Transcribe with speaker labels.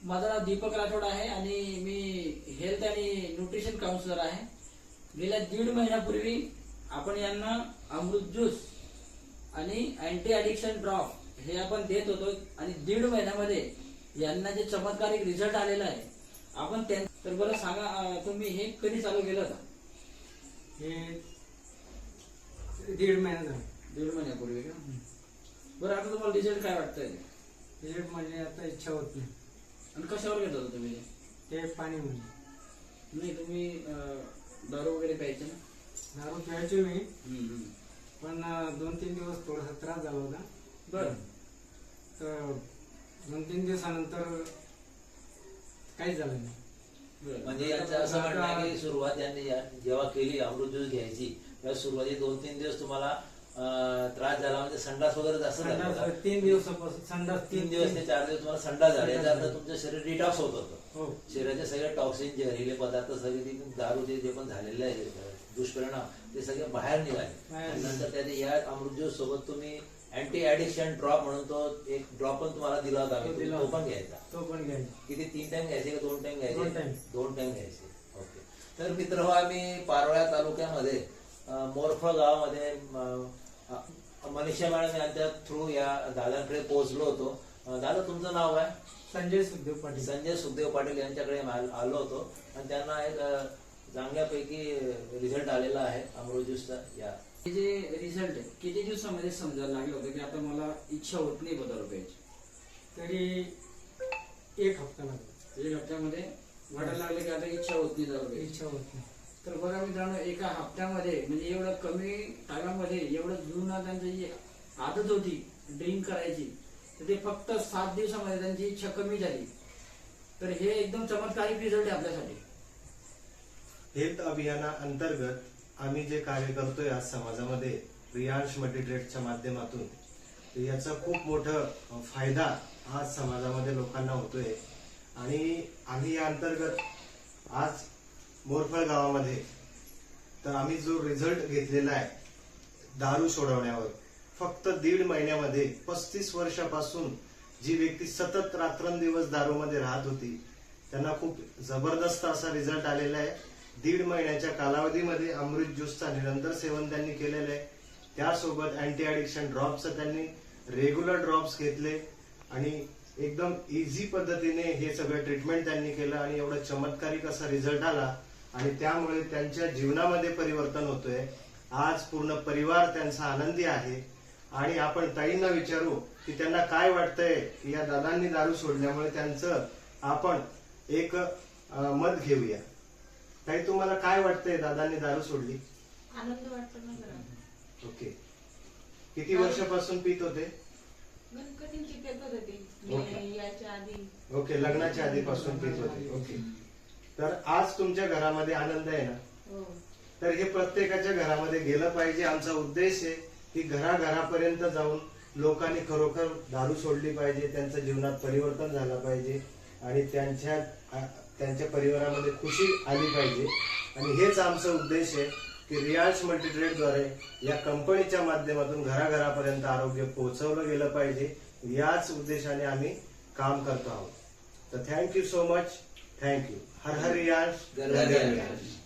Speaker 1: माझं नाव दीपक राठोड आहे आणि मी हेल्थ आणि न्यूट्रिशन काउन्सिलर आहे. गेल्या 1.5 महिन्यापूर्वी आपण यांना अमृत ज्यूस आणि अँटी ॲडिक्शन ड्रॉप हे आपण देत होतो आणि 1.5 महिन्यामध्ये यांना जे चमत्कारिक रिझल्ट आलेला आहे आपण तर बरं सांगा, तुम्ही हे कधी चालू केलं होतं?
Speaker 2: हे 1.5 महिना झाला.
Speaker 1: 1.5 महिन्यापूर्वी का? बरं, आता तुम्हाला रिझल्ट काय वाटतंय?
Speaker 2: रिझल्ट म्हणजे आता इच्छा होत नाही.
Speaker 1: आणि कशावर घेत होता तुम्ही?
Speaker 2: ते पाणी म्हणजे
Speaker 1: नाही, तुम्ही दारू वगैरे प्यायचे ना?
Speaker 2: दारू प्यायचे मी, पण 2-3 दिवस थोडासा त्रास झाला होता.
Speaker 1: बरं.
Speaker 2: तर 2-3 दिवसानंतर काहीच झालं नाही.
Speaker 3: म्हणजे यांचं असं म्हणणं आहे की सुरुवात यांनी जेव्हा केली अमृत ज्यूस घ्यायची तेव्हा सुरुवाती 2-3 दिवस तुम्हाला त्रास झाला, म्हणजे संडास वगैरे जास्त झाला.
Speaker 2: 3 दिवसापासून संडास
Speaker 3: 3 दिवस ते 4 दिवस तुम्हाला संडास झाले, याचा अर्थ तुमचं शरीर डिटॉक्स होत होतं.
Speaker 2: हो.
Speaker 3: शरीराचे सगळे टॉक्सिन, जहरीले पदार्थ सगळे दारूचे जे पण झालेले आहे दुष्परिणाम ते सगळे बाहेर निघाले. आणि नंतर त्याने या अमृत ज्यूस सोबत तुम्ही अँटी ॲडिक्शन ड्रॉप म्हणून तो एक ड्रॉप पण तुम्हाला दिला होता, तो पण घ्यायचा.
Speaker 2: तो पण घ्यायचा.
Speaker 3: किती 3 टाइम घ्यायचे का 2 टाइम घ्यायचे?
Speaker 2: 2
Speaker 3: टाइम घ्यायचे. ओके. तर मित्र, आम्ही पारोळ्या तालुक्यामध्ये मोरफळ गावामध्ये मनीषा मॅडम यांच्या थ्रू या दादांकडे पोहोचलो होतो. दादा, तुमचं नाव आहे?
Speaker 2: संजय सुखदेव पाटील.
Speaker 3: संजय सुखदेव पाटील यांच्याकडे आलो होतो आणि त्यांना एक चांगल्यापैकी रिझल्ट आलेला आहे अमृत ज्यूसचा. या
Speaker 1: हे जे रिझल्ट किती दिवसामध्ये समजायला लागलं होतं की आता मला इच्छा होत नाही दारू प्यायची?
Speaker 2: तरी 1 हप्ता लागला.
Speaker 1: 1 हप्त्यामध्ये वाटायला लागलं की आता इच्छा होत नाही दारू प्यायची.
Speaker 2: इच्छा होत नाही.
Speaker 1: तर बघा मित्रांनो, 1 हप्त्यामध्ये म्हणजे एवढं कमी टायमामध्ये एवढं जुना त्यांची जी आदत होती ड्रिंक करायची, तर ते फक्त 7 दिवसामध्ये त्यांची इच्छा कमी झाली. तर हे एकदम चमत्कारिक रिझल्ट आहे आपल्यासाठी.
Speaker 4: हेल्थ अभियानाअंतर्गत आम्ही जे कार्य करतोय आज समाजामध्ये रियांश मल्टीट्रेडच्या माध्यमातून, तर याचा खूप मोठा फायदा आज समाजामध्ये लोकांना होतोय. आणि आम्ही या अंतर्गत आज मोरफळ गावामध्ये तर आम्ही जो रिझल्ट घेतलेला आहे दारू सोडवण्यावर, फक्त 1.5 महिन्यामध्ये 35 वर्षापासून जी व्यक्ती सतत रात्रंदिवस दारूमध्ये राहत होती त्यांना खूप जबरदस्त असा रिझल्ट आलेला आहे. 1.5 महिन्याच्या कालावधीमध्ये अमृत ज्यूसचा निरंतर सेवन त्यांनी केलेलं आहे. त्यासोबत अँटी ॲडिक्शन ड्रॉप्सचं त्यांनी रेग्युलर ड्रॉप्स घेतले आणि एकदम इझी पद्धतीने हे सगळं ट्रीटमेंट त्यांनी केलं आणि एवढा चमत्कारिक असा रिझल्ट आला आणि त्यामुळे त्यांच्या जीवनामध्ये परिवर्तन होतोय. आज पूर्ण परिवार त्यांचा आनंदी आहे. आणि आपण ताईंना विचारू की त्यांना काय वाटतंय की या दादांनी दारू सोडल्यामुळे त्यांचं आपण एक मत घेऊया. ताई, तुम्हाला काय वाटतंय दादांनी दारू सोडली?
Speaker 5: आनंद वाटतो ना जरा.
Speaker 4: ओके. किती वर्षापासून पित होते?
Speaker 5: गणपतींची पेत होते
Speaker 4: ओके.
Speaker 5: मी याच्या आधी.
Speaker 4: ओके, लग्नाच्या आधीपासून पित होते. ओके. तर आज तुमच्या घरामध्ये आनंद आहे ना?
Speaker 5: हो.
Speaker 4: तर हे प्रत्येकाच्या घरामध्ये गेलं पाहिजे. आमचा उद्देश आहे की घराघरापर्यंत जाऊन लोकांनी खरोखर दारू सोडली पाहिजे, त्यांच्या जीवनात परिवर्तन झालं पाहिजे आणि त्यांच्या परिवारामध्ये खुशी आली पाहिजे. आणि हेच आमचा उद्देश आहे की रियांश मल्टीट्रेडद्वारे या कंपनीच्या माध्यमातून घराघरापर्यंत आरोग्य पोहोचवलं गेलं पाहिजे. याच उद्देशाने आम्ही काम करतो आहोत. तर थँक्यू सो मच. थँक्यू. हर हर रियांश,
Speaker 3: घर घर रियांश.